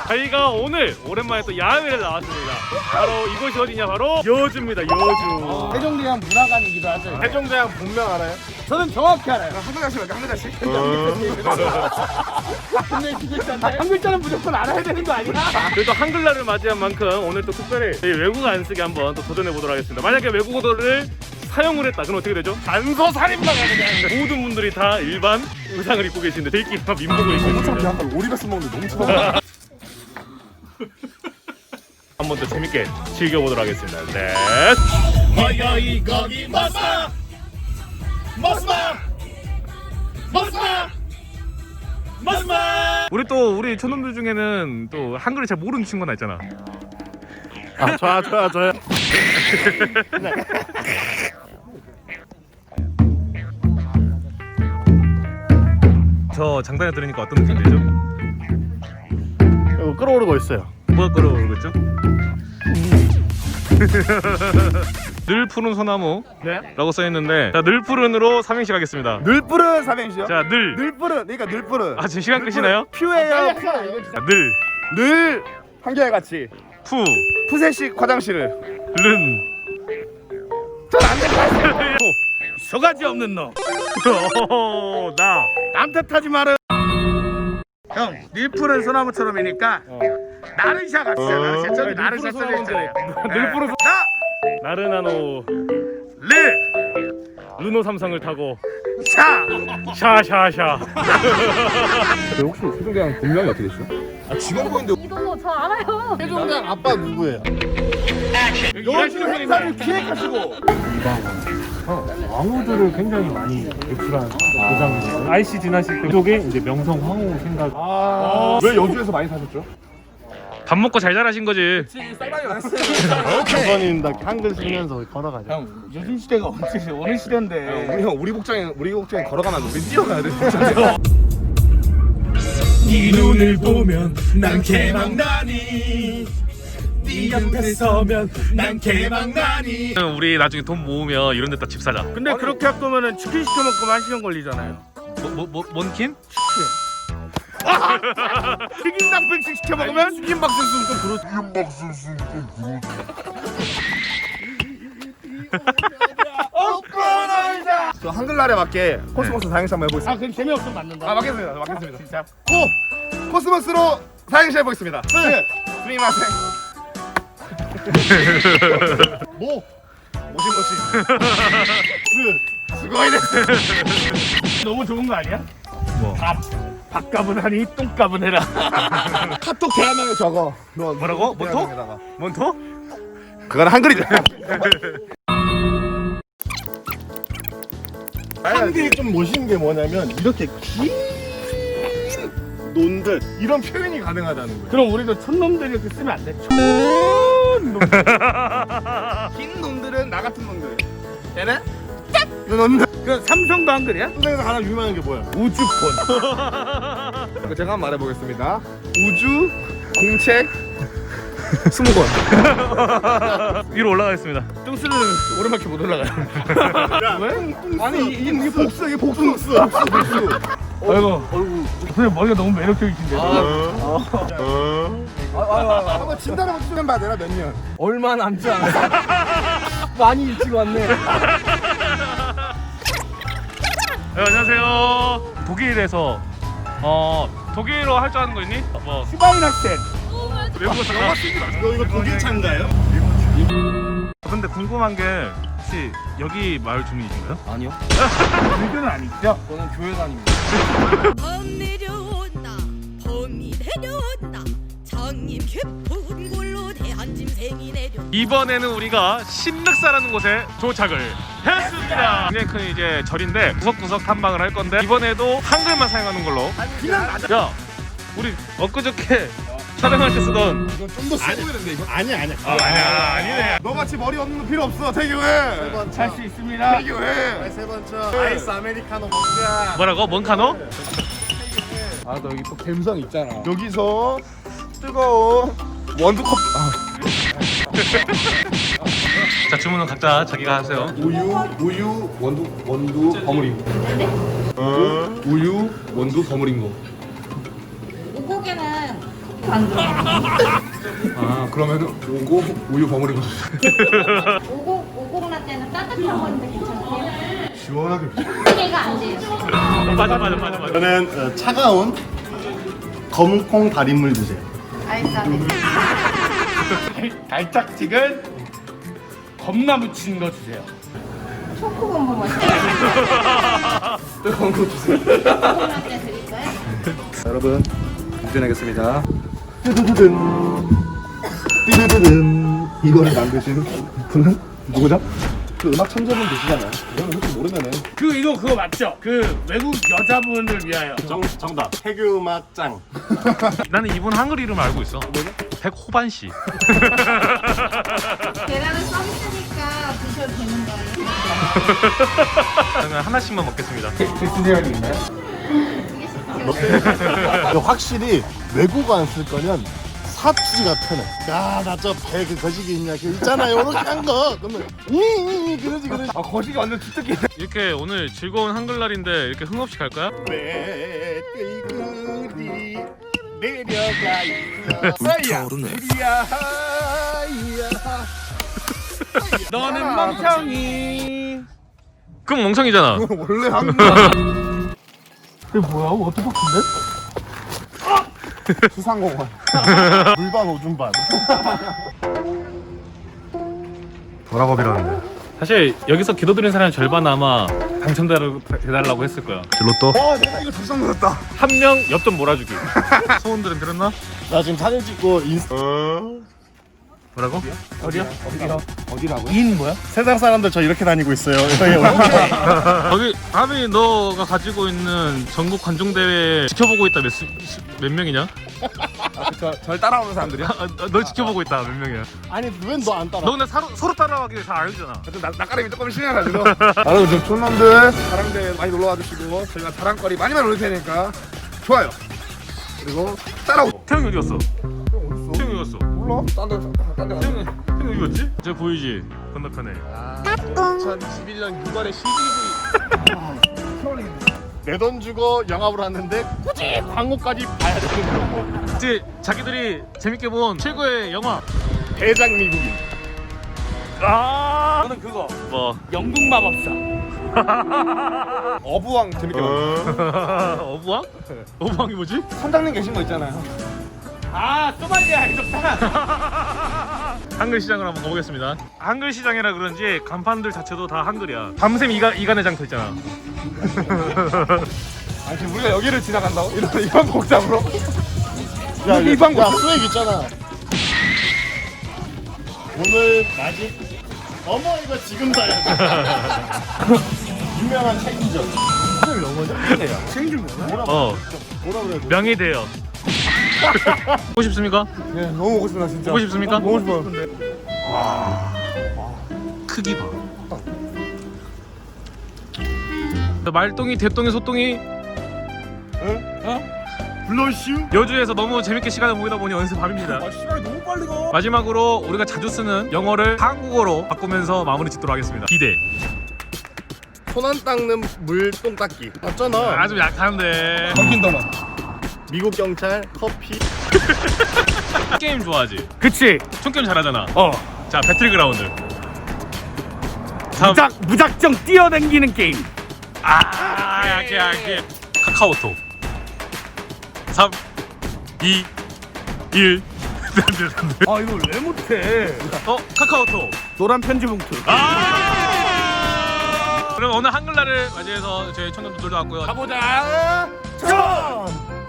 저희가 오늘 오랜만에 또 야외를 나왔습니다. 바로 이곳이 어디냐? 바로 여주입니다. 여주. 세종대왕 문화관이기도 하죠. 세종대왕 본명 알아요? 저는 정확히 알아요. 한 글자씩 할까? 한 글자씩? 근데 두 글자인데? 한 글자는 무조건 알아야 되는 거 아니야? 그래도 한글날을 맞이한 만큼 오늘 또 특별히 저희 외국어 안 쓰기 한번 또 도전해 보도록 하겠습니다. 만약에 외국어를 사용을 했다. 그럼 어떻게 되죠? 단서 살인마가 그냥. 모든 분들이 다 일반 의상을 입고 계시는데 저희끼리만 민복을 입고 있습니다. 약간 오리가스 먹는데 너무 차가워. 한번 더 재밌게 즐겨보도록 하겠습니다. 네. 거기 거기 머스마 우리 촌놈들 중에는 또 한글을 잘 모르는 친구가 있잖아. 아 저요. 저 장단에 들으니까 어떤 느낌 들죠? 이거 끓어오르고 있어요. 뭐가 끌어오르고 있죠? 늘 푸른 소나무 네? 라고 써있는데 자, 늘 푸른으로 삼행시 가겠습니다. 늘뿌른 삼행시요? 자, 늘. 늘뿌른 그러니까 늘뿌른. 아, 지금 시간 끝이나요? 퓨예요. 자, 늘, 늘 한결같이 푸, 푸세식 화장실을. 른. 소가지 없는 놈. 나. 남 탓하지 마라. 형, 늘푸른 소나무처럼이니까 나르샤 갑시다. 나르샤. 저기 나르샤 써져 있잖아요. 늘 푸른 소... 나! 나르나노 르! 르노 삼성을 타고 샤! 샤샤샤. 혹시 세종대왕 본명이 어떻게 되시죠? 아 지금 보이는데 이거 저 알아요. 세종대왕 아빠 누구예요? 여주 행사를 기획하시고 왕후들을 굉장히 많이 배출한 도장이에요. IC 진화식 그쪽에 이제 명성 황후 생각. 왜 여주에서 많이 사셨죠? 밥 먹고 잘 자라신 거지. 조선인 다 한글 쓰면서 걸어가죠. 형, 요즘 시대가 어느 시대인데. 우리 복장에 걸어가면 우리 뛰어가야 돼. 네 눈을 보면 난 개망나니 네 옆에 서면 난 개망나니. 우리 나중에 돈 모으면 이런 데다 집 사자. 근데 그렇게 할 거면은 치킨 시켜 먹으면 1시간 걸리잖아요. 뭔킨? 튀김 닭백숙 시켜 먹으면 튀김 박스는 좀 그렇. 저 한글날에 맞게 코스모스 사행시 한번 해보겠습니다. 아, 그럼 재미없으면 맞는다. 아 맞겠습니다. 진짜. 코스모스로 사행시 해보겠습니다. 스미마생. 모시모시. 수고이네. 너무 좋은 거 아니야? 뭐? 밥값은 하니 똥값은 해라. 카톡 대화명에 적어. 뭐라고? 몬토? 몬토? 그건 한글이다. 한글이 좀 멋있는 게 뭐냐면 이렇게 긴 논들 이런 표현이 가능하다는 거예요. 그럼 우리도 촌놈들이 이렇게 쓰면 안 돼? 긴 논들은 나 같은 놈들. 얘는 이 놈들. 그 삼성도 한글이야? 세상에서 가장 유명한 게 뭐야? 우주폰. 제가 한번 말해보겠습니다. 우주 공책 20권. 위로 올라가겠습니다. 뚱스는 오랜만에 못 올라가요. 왜? 아니 이게 복수 이게 복수. 아이고, 선생님 머리가 너무 매력적이신데. 한번 진단해 보시면 봐. 내가 몇 년? 얼마 남지 않았어. 많이 일찍 왔네. 네, 안녕하세요. 독일에서 독일어 할 줄 아는 거 있니? 뭐 슈바인 학생. 외국어 잠깐. 이거 독일 차인가요? 근데 궁금한 게 혹시 여기 마을 주민이신가요? 아니요. 불교는 아니죠? 저는 교회 다닙니다. 범 내려온다 범이 내려온다 장님 깊은 골로 대한짐승이 내려. 이번에는 우리가 신륵사라는 곳에 도착을 했습니다. 굉장히 큰 이제 절인데 구석구석 탐방을 할 건데 이번에도 한글만 사용하는 걸로. 야, 우리 엊그저께 촬영할 때 쓰던 좀더 쓰고 있는데 이거? 아니야. 아니네. 너같이 머리 없는 거 필요 없어. 태교해. 할 수 있습니다. 태교해. 세 번째. 아이스 아메리카노 먹자. 뭐라고? 뭔카노? 아, 너 여기 또 갬성 있잖아. 여기서 뜨거운 원두컵. 자, 주문은 각자 자기가 하세요. 우유 원두 버무린 거. 우유 원두 버무린 거. 오곡에는 안 들어. 아 그러면은 오고 우유 버무리고 오곡 라떼는 따뜻한 건데 괜찮으세요? 시원하게. 이게가 안 돼요. 맞아. 저는 차가운 검은콩 달인물 주세요. 알싸네. 달짝지근 겁나 묻힌 거 주세요. 초코본보 맛있어요. 뜨거운 거 주세요. 오곡 라떼 드릴까요? 여러분 운전하겠습니다. 뚜두두든 뚜두두든 이거를 만드신 분은 누구죠? 그 음악 천재분 계시잖아요. 이거는 혹시 모르면은 그거 맞죠? 그 외국 여자분을 위하여. 정답 해교 음악 짱. 나는 이분 한글 이름 알고 있어. 백호반 씨. 계란은 서비스니까 드셔도 되는 거예요. 저는 하나씩만 먹겠습니다. 세연이 있나요? 확실히 외국어 안 쓸 거면 사투리가 편해. 야나 저 배 그 거시기 있냐 그 있잖아요. 이렇게 한 거. 그러면 그러지. 아 거시기 완전 주특기. 이렇게 오늘 즐거운 한글날인데 이렇게 흥없이 갈까요? 왜 끌이 내려가 있어. 우리야. 너는 멍청이. 그럼 멍청이잖아. 원래 한국어. 이게 뭐야? 워터파크인데? 수상공원. 물반 오줌반. 도락업이라는데. 사실 여기서 기도드린 사람 절반 아마 당첨되달라고 했을 거야. 와 내가 이거 불쌍 받았다. 한 명 엽전 몰아주기. 소원들은 들었나? 나 지금 사진 찍고 인스타. 뭐라고? 인 뭐야? 세상 사람들 저 이렇게 다니고 있어요. 거기 하빈이 너가 가지고 있는 전국 관중 대회 지켜보고 있다 몇 명이냐? 절 따라오는 사람들이야? 널 지켜보고 있다 몇 명이야? 아니 왜 너 안 따라? 너 근데 서로 따라가기 다 알잖아. 낯가림이 조금 심해가지고. 여러분 저 촌놈들 자랑대 많이 놀러와 주시고 저희가 자랑거리 많이 올릴 테니까 좋아요. 그리고 따라오. 태형이 어디 갔어? 태형이 어디 갔어? 몰라? 딴데 태형이 어디 갔지? 저 보이지? 건너편에. 2021년 6월에 CGV. 내 돈 주고 영화보러 왔는데 굳이 광고까지 봐야 되는 거. 이제 자기들이 재밌게 본 최고의 영화. 대장 미국인. 저는 그거 뭐 영국 마법사. 어부왕 재밌게 봤어요. 어부왕? 어부왕이 뭐지? 선장님 계신 거 있잖아요. 아 소말리아 해적단. 한글 시장을 한번 가보겠습니다. 한글 시장이라 그런지 간판들 자체도 다 한글이야. 밤샘 이간회장 서 있잖아. 아니 지금 우리가 여기를 지나간다고? 이런 복잡으로? 야, 이 방법. 야 수액 있잖아. 오늘 마직 어머 이거 지금 사야 돼. 유명한 책이죠. 오늘 영어죠? 책이 뭐라 어 그래? 명예대여. 보고 싶습니까? 네 너무 오고 싶다 진짜. 보고 싶습니까? 보고 싶어요. 크기 봐. 말똥이, 대똥이, 소똥이 블러쉬? 여주에서 너무 재밌게 시간을 보내다 보니 어느새 밤입니다. 아 시간이 너무 빨리 가. 마지막으로 우리가 자주 쓰는 영어를 한국어로 바꾸면서 마무리 짓도록 하겠습니다. 기대. 손 안 닦는 물똥 닦기. 맞잖아. 아주 약한데. 덤킨 더너. 미국 경찰 커피. 게임 좋아하지? 그치. 총게임 잘하잖아. 어. 자, 배틀그라운드. 3. 무작정 뛰어댕기는 게임. 약해. 카카오톡. 3, 2, 1. 아 이걸 왜 못해? 카카오톡. 노란 편지 봉투. 그럼 오늘 한글날을 맞이해서 저희 청년분들도 왔고요. 가보자. 전.